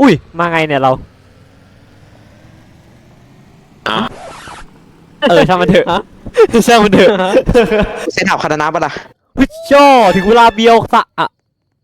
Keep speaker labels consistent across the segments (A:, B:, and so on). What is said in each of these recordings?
A: อุ้ยมาไงเนี่ยเราช่างมันเถอะช่างมันเถอะ
B: เซนถับคาตานะปะล่ะ
A: ฮึช่อถึงเวลาเบียวสะอะ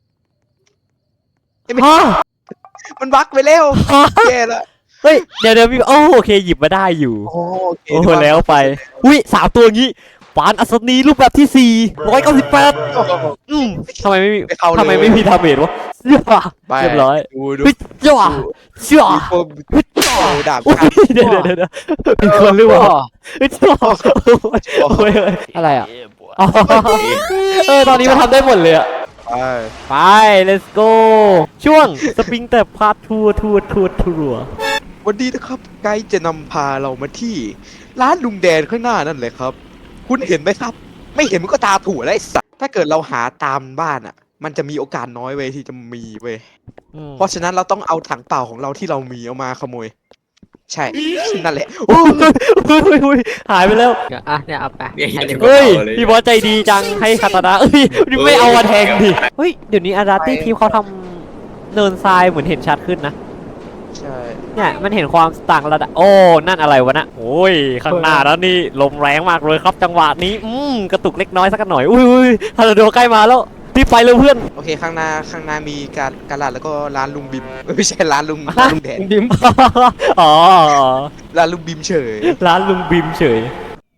A: ฮะ
B: มันบั๊กไปแล้วแย่ละ
A: เฮ้ยเดี๋ยวพี่โอเคหยิบมาได้อยู่
B: โอ้
A: แล้วไปอุ้ย3ตัวงี้ปานอัศนีรูปแบบที่498ทำไมไม่มีดาเมจวะเรียบร้อย
B: ดู
A: จ้าจ้า
B: ดาบ
A: เดี๋ยวเป็นคนหรือเปล่าจ้าอะไรอ่ะตอนนี้มันทำได้หมดเลยอ่ะไป let's go ช่วงสปริงแต่พาร์ททัวร์
B: วันนี้นะครับไกด์จะนำพาเรามาที่ร้านลุงแดนข้างหน้านั่นเลยครับคุณเห็นไหมครับไม่เห็นมันก็ตาถั่วแล้วไอ้สัสถ้าเกิดเราหาตามบ้านอ่ะมันจะมีโอกาสน้อยเว้ยที่จะมีเว้ยเพราะฉะนั้นเราต้องเอาถังเปล่าของเราที่เรามีเอามาขโมยใช่นั่นแหละ
A: หายไปแล้ว
C: เนี่ยเอาไป
A: เฮ้ยพี่บอสใจดีจังให้คาตานะไม่เอามาแทงดิเฮ้ยเดี๋ยวนี้อาราตี้ทีมเขาทำเนินทรายเหมือนเห็นชัดขึ้นนะ
B: ใช่
A: เนี่ยมันเห็นความต่างระดับโอ้นั่นอะไรวะนะโอ้ยข้างหน้าแล้วนี่ลมแรงมากเลยครับจังหวะนี้กระตุกเล็กน้อยสักหน่อยอุ้ยทาราโดใกล้มาแล้วรีบไปเลยเพื่อน
B: โอเคข้างหน้ามีการลาดแล้วก็ร้านลุงบิมไม่ใช่ร้านลุงแดน
A: บิมอ๋อ
B: ร้านลุงบิมเฉย
A: ร้านลุงบิมเฉย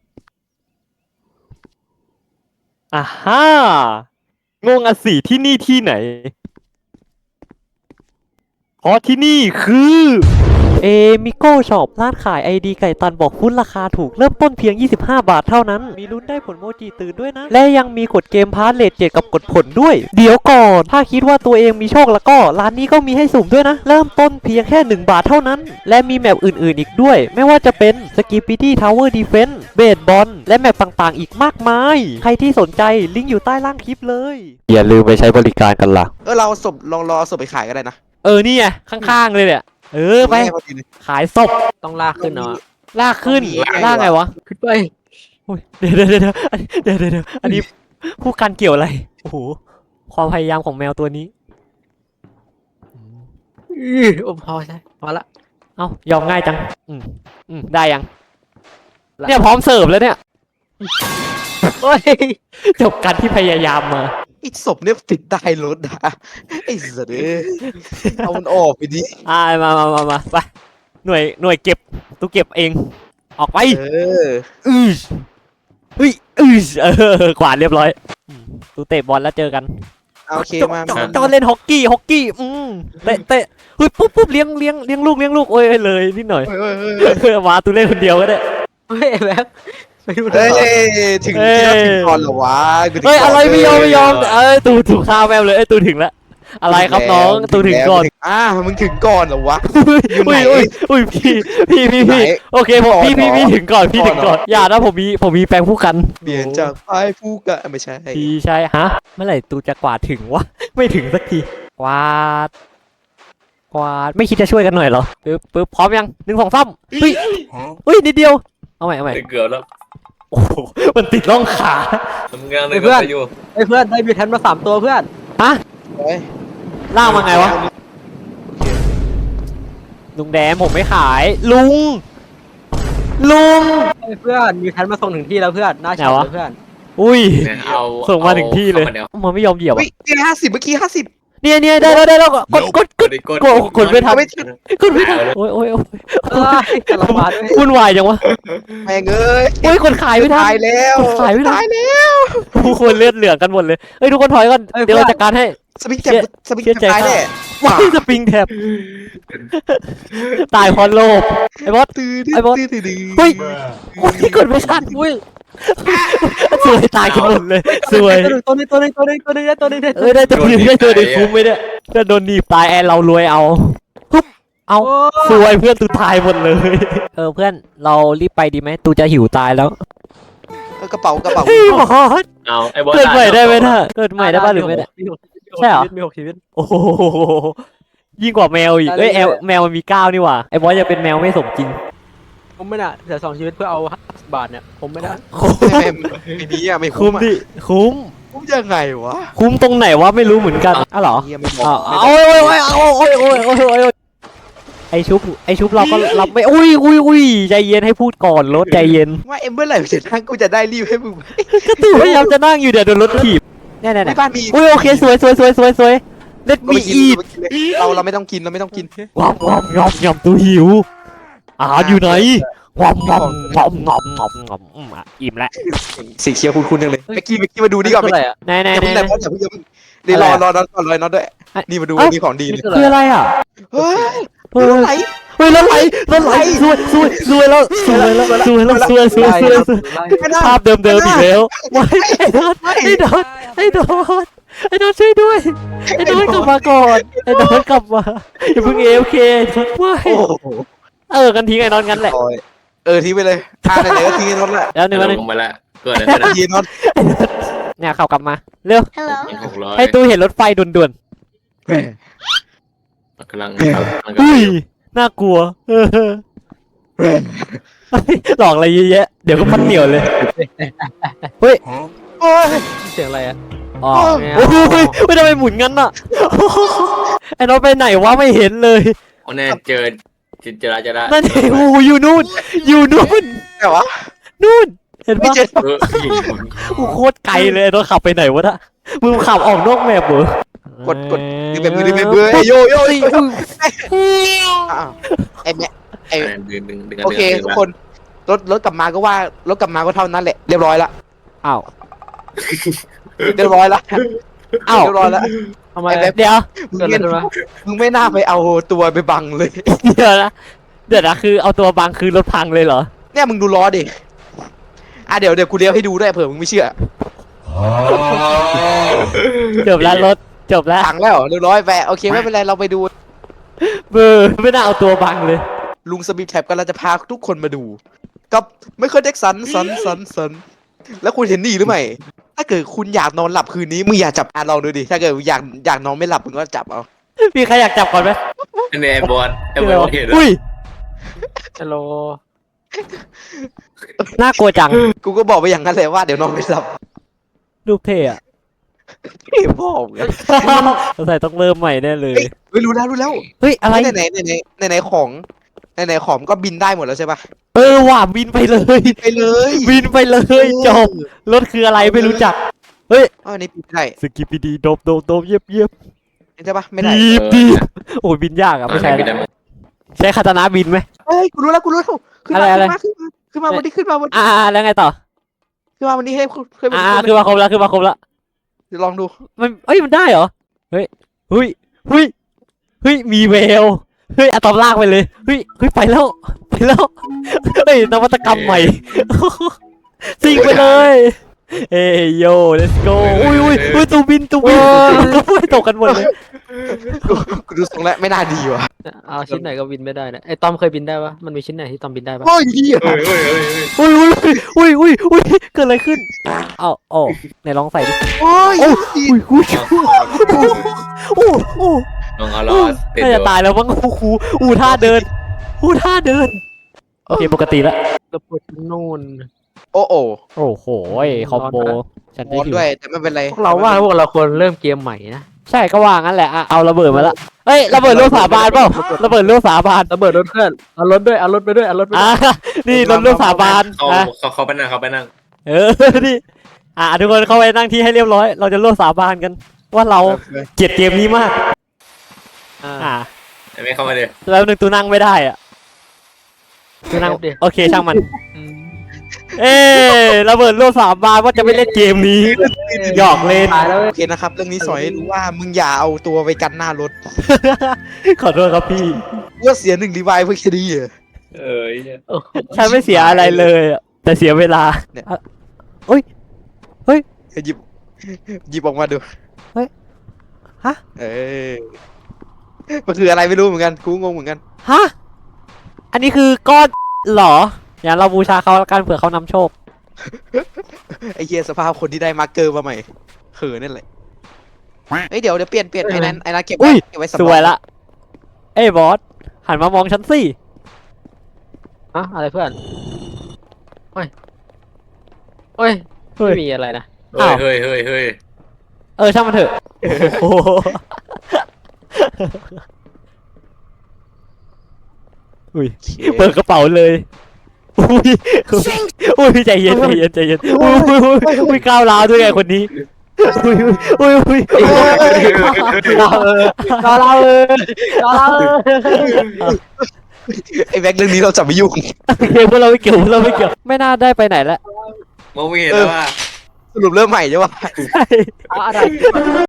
A: อ่าฮ่างงอ่ะสิที่นี่ที่ไหนเพราะที่นี่คือมิโก้ช็อปร้านขายไอดีไก่ตันบอกฟุตราคาถูกเริ่มต้นเพียง25 บาทเท่านั้นมีลุ้นได้ผลโมจิตื่นด้วยนะและยังมีกดเกมพาร์ทเลท7กับกดผลด้วยเดี๋ยวก่อนถ้าคิดว่าตัวเองมีโชคแล้วก็ร้านนี้ก็มีให้สุ่มด้วยนะเริ่มต้นเพียงแค่1 บาทเท่านั้นและมีแมปอื่นๆอีกด้วยไม่ว่าจะเป็นสกิปปี้ดี้ทาวเวอร์ดีเฟนส์เบสบอลและแมปต่างๆอีกมากมายใครที่สนใจลิงก์อยู่ใต้ล่างคลิปเลยอย่าลืมไปใช้บริการกันล่ะ
B: เราศพลองรอศพไปขายก็ได้นะ
A: นี่ไงข้างๆเลยเนี่ยไปขายศพ
C: ต้องลากขึ้นเนาะ
A: ลากขึ้นลากไงวะ
C: ขึ้นไป
A: เดี๋ยวอันนี้ผู้กันเกี่ยวอะไรโอ้โหความพยายามของแมวตัวนี้
C: พอใช่พอละ
A: ยอมง่ายจังได้ยังเนี่ยพร้อมเสิร์ฟแล้วเนี่ยจบกันที่พยายามมา
B: ไอ้ศพเนี่ยติดใต้รถนะไอ้สัตว์เอามันออกไปดิ
A: มาไปหน่วยเก็บตู้เก็บเองออกไปกวาดเรียบร้อยตู้เตะบอลแล้วเจอกัน
B: โอเคมา
A: จอเล่นฮอกกี้เตะปุ๊บเลี้ยงลูกโอ้ยเลยนิดหน่อยมาตู้เล่นคนเดียวก็ได้
C: แบบ
B: ถึงก่อนเหรอวะ
A: อะไรไม่ยอมตูถูกฆ่าแมวเลยตูถึงแล้วอะไรครับน้องตูถึงก่อน
B: มึงถึงก่อนเหรอวะ
A: อุ้ยพี่โอเคผมพี่ถึงก่อนอย่านะผมมีแปลงผู้กัน
B: เปลี่ยนจากไอ้ผู้กันไม่ใช่
A: พี่ใช่ฮะเมื่อไหร่ตูจะกวาดถึงวะไม่ถึงสักทีกวาดไม่คิดจะช่วยกันหน่อยเหรอปึ๊บพร้อมยัง1 2 3อุ้ยนิดเดียวเอาใหม่
D: เกือบแล้ว
A: โอ้โหมันติดร่องขา
D: ทำงานเลยเพื่อน
C: เพื่อนได้มีแทนมา3 ตัวเพื่อน
A: ฮะล่างมาไงวะลุงแดงผมไม่ขายลุง
C: เพื่อนมีแทนมาส่งถึงที่แล้วเพื่อนน่าเชื่อเพื่อน
A: อุ้ยส่งมาถึงที่เลยมันไม่ยอมเหยียบอ่ะ
B: 50เมื่อกี้50
A: เนี่ยได้แล้วกดไม่ทันโอ้ย
C: กำลังมา
A: วุ่นวายจังวะ
B: แม่งเอ้ย
A: โอ้ยคนขายไม่ทัน
B: ตายแล้ว
A: ทุกคนเลือดเหลืองกันหมดเลยทุกคนถอยก่อนเดี๋ยวเราจัดการให้
B: สปริงแท็บตายแน่
A: ว้ายสปริงแท็บตายเพราะโลภไอ้บอสเฮ้ยกดไม่ทันสวยตายกันหมดเลยสวย
C: ตัวนึงได้ตัวนึง
A: ได้ตัวนึงคุ้มไหมเนี่ยจะโดนหนีบตายแอนเรารวยเอาสวยเพื่อนตูตายหมดเลยเพื่อนเรารีบไปดีไหมตูจะหิวตายแล้ว
B: กระเป๋า
A: เกิดใหม่ได้ไหมท่าเกิดใหม่ได้ป่ะหรือไม่ได้ใช่เหรอ
C: มี6 ชีวิต
A: โอ้โหยิ่งกว่าแมวอีกแมวมันมี9นี่หว่าไอ้บอสจะเป็นแมวไม่สมจริง
C: ผมไม่น่ะแต่2 ชีวิตเพื่อเอา50 บาทเนี่ยผมไม่ได้
B: ไม่มีไม่
A: คุ้มดิคุ้ม
B: ยังไงวะ
A: คุ้มตรงไหนวะไม่รู้เหมือนกันเหรอโอ้ยไอชุบเราก็รับไม่อุ้ยใจเย็นให้พูดก่อนรถใจเย็น
B: ว่าเมื่อไหร่จะนั่งกูจะได้รีบให้มึง
A: ก็ตู่พยายามจะนั่งอยู่เดี๋ยวโดนรถถีบเนี่ย
B: ในบ้านมี
A: อุ้ยโอเคสวยเล็ด
B: เรา
A: มี
B: ไม่กิน
A: อีท
B: เราไม่ต้องกิน
A: งอมตูหิวอาหารอยู่ไหนงอมอิ่มแล้ว
B: สีเขียวคุณจังเลยเมื่อกี้มาดูนี่ก่อน
C: คืออะไรอ่ะ
A: ไหน
B: อย่าเพิ่งแต่เพราะอย่าเพิ่งเดี๋ยวรอน็อตก่อนรอน็อตด้วยนี่มาดูนี่ของดี
C: นี่
B: เลย
C: คืออะไร
A: คืออะไรอ่ะ
B: เฮ้ย
A: เฮ้ย
B: รถไหล
A: เฮ้ยรถไหลสวยแล้วภาพเดิมอีกแล้วไม่ไอ้โดนช่วยด้วยไอ้โดนกลับมาก่อนไอ้โดนกลับมาอย่าเพิ่งAFKไม่
B: โอ้โห
A: กันทิ้งไอ้นอนงั้นแหละ
B: ทิ้งไปเลยไหนก็ทิ้งน็อตแหละ
A: แล้วหนึ่ง
D: ลงมาละเกิดอะไรขึ้น
B: ยีน็อต
A: เนี่ยขับกลับมาเร็ว
D: 600
A: ให้ตู้เห็นรถไฟด่วน
D: กำลัง
A: ๆอุ้ยน่ากลัวหลอกอะไรเยอะแยะเดี๋ยวก็พันเหนียวเลยเฮ้ย
B: โอ้ย
C: เสียงอะไรอ่ะ
A: อ๋อโอ้ยไม่ทำไมหมุนงั้นอ่ะไอ้น้องไปไหนวะไม่เห็นเลย
D: โอ้แน่เจอจะได้
A: นั่นเองโอ้อยู่นู่น
B: แต่วะ
A: นู่นเห็น
B: ไม่
A: ปะ
B: เจอ
A: กูโคตรไกลเลยน้องขับไปไหนวะน่ะมึงขับออกนอกแมปเหรอก
B: ดดึงแบบมือดึงแบบมือโยไอ้แม่ไอ้
D: ดึง
B: โอเคทุกคนรถกลับมาก็ว่ารถกลับมาก็เท่านั้นแหละเรียบร้อยละ
A: อ้าว
B: เรียบร้อยละ
A: อ้าว
B: เรียบร้อยละ
C: ทำไม
A: เดี๋ยว
B: มึง
C: เกิดอะไร
B: ไม่
C: ขึ้นวะ
B: มึงไม่น่าไปเอาตัวไปบังเลย
A: เดี๋ยวนะคือเอาตัวบังคือรถพังเลยเหรอ
B: เนี่ยมึงดูล้อดิเดี๋ยวกูเลี้ยวให้ดูด้วยเผื่อมึงไม่เชื่อ
A: จบแล้วรถจบแล้ว
B: ถังแล้วเรียบร้อยไปโอเคไม่เป็นไรเราไปดู
A: เบอร์ไม่น่าเอาตัวบังเลย
B: ลุงสมิธแท็บกันเราจะพาทุกคนมาดูกับไม่เคยเด็กสันแล้วคุณเห็นนี่หรือไม่ถ้าเกิดคุณอยากนอนหลับคืนนี้มึงอยากจับลองดูดิถ้าเกิดอยากนอนไม่หลับมึงก็จับเอา
A: มีใครอยากจับก่อนไหม
D: ไอ้บอลเห็น
A: อุ้ย
C: ฮัลโหล
A: น่ากลัวจัง
B: กูก็บอกไปอย่างนั้นเลยว่าเดี๋ยวนอนไม่หลับ
A: รูปเท่อะ
B: พี่บอกไง
A: สงสัยต้องเริ่มใหม่แน่เลย
B: เฮ้ยรู้แล้ว
A: เฮ้ยอะไร
B: ไหนของก็บินได้หมดแล้วใช่ปะ
A: ว่ะบินไปเลย
B: ไปเลย
A: บินไปเลยจบรถคืออะไรไม่รู้จัก
B: อันนี้บินได้
A: สกิปปี้ดีโดบเยียบ
B: ใช่ปะไม่ได้
A: ดีโอ้ยบินยากอะไม่ใช่ละใช้คาตานะบินไหม
B: เฮ้ยกูรู้แล้วขึ้น
A: อะไร
B: มาวันนี้ขึ้นมาวัน
A: แล้วไงต่อ
B: ขึ้นมาวันนี้ให้ขึ้นมา
A: คือมาครบแล้ว
B: เดี๋ยวลองดู
A: มันได้เหรอเฮ้ยมีแววเฮ้ยอะตอมลากไปเลยเฮ้ยไปแล้วเฮ้ยนวัตกรรมใหม่ซิงไปเลยเอ้ยโย่ let's go อุ้ยตูบินตกกันหมดเลย
B: กูดูทรงแล้วไม่น่าดีว่ะ
C: เอาชิ้นไหนก็บินไม่ได้นะไอ้ตอมเคยบินได้ปะมันมีชิ้นไหนที่ตอมบินได้ปะ
B: โอ้ยเหี้ย
A: อุ้ยเกิดอะไรขึ้นเอาไหนลองใส่ดิ
B: โอ้ย
A: อุ้ยโอ้
D: ลองเอาล้อติด
A: น่าจะตายแล้วมั้งท่าเดินโอเคปกติแล้ว
C: ระเบิดนู่น
B: โอ้โห
A: โอ้โหคอมโบฉัน
B: ร้
A: ได้
B: อน
A: อยู่
B: ด้วยแต่ไม่เป็นไร
C: พวกเราควรเริ่มเกมใหม่นะ
A: ใช่ก็ว่างั้นแหละเอาระเบิดมาละเฮ้ยระเบิดลูกสาบานเปล่าระเบิดลูกสาบาน
C: ระเบิดรถเพื่อนเอารถไปด้วย
A: นี่รถลูกสาบาน
D: เขาไปนั่ง
A: นี่ทุกคนเข้าไปนั่งที่ให้เรียบร้อยเราจะร่วมสาบานกัน ว่าเราเกลียดเกมนี้มาก
D: ไม่เข้ามาเลย
A: แล้วนึงตูนั่งไม่ได้อะตูนั่งโอเคช่างมันระเบิดร่วมสาบานว่าจะไม่เล่นเกมนี้หยอกเล่น
C: ตายแล้ว
B: โอเคนะครับเรื่องนี้สอนให้รู้ว่ามึงอย่าเอาตัวไปกันหน้ารถ
A: ขอโทษครับพี่
B: เพื่อเสีย1 รีไวล์เพื่อแค่นี้เหรอ
A: ฉันไม่เสียอะไรเลยแต่เสียเวลา
B: หยิบออกมาดู
A: ฮะ
B: มันคืออะไรไม่รู้เหมือนกันกูงงเหมือนกัน
A: ฮะอันนี้คือก้อนเหรออย่างเราบูชาเขาแล้วกันเผื่อเขานำโชค
B: ไอ้เหี้ยสภาพคนที่ได้มาร์กเกอร์มาใหม่เขินนั่นแหละเฮ้ยเดี๋ยวเปลี่ยนไอ้นั้นเก็บ
A: อุ้ย
B: ไว้สำร
A: ส
B: อง
A: วยละบอสหันมามองฉันสิ
C: อะอะไรเพื่อนโอ้ยไม่มีอะไรนะ
D: เฮ้ย
A: ช่างมันเถอะโอ้โหอุ้ยเปิดกระเป๋าเลยอุ้ยอุ้ยใจเย็นใจเย็นใจเย็นอุ้ยก้าวร้าวด้วยไงคนนี้อุ้ยอุ้ยอุ้ย
C: เรา
B: ไอ้แบ็คเรื่องนี้เราจะไม่ยุ่ง
A: พวกเราไม่เกี่ยวพวกเราไม่เกี่ยวไม่น่าได้ไปไหนแล้ว
D: มองไม่เห็นแล้วว่า
B: สรุปเริ่มใหม่ใช่ปะ
A: ใช่
C: อะไร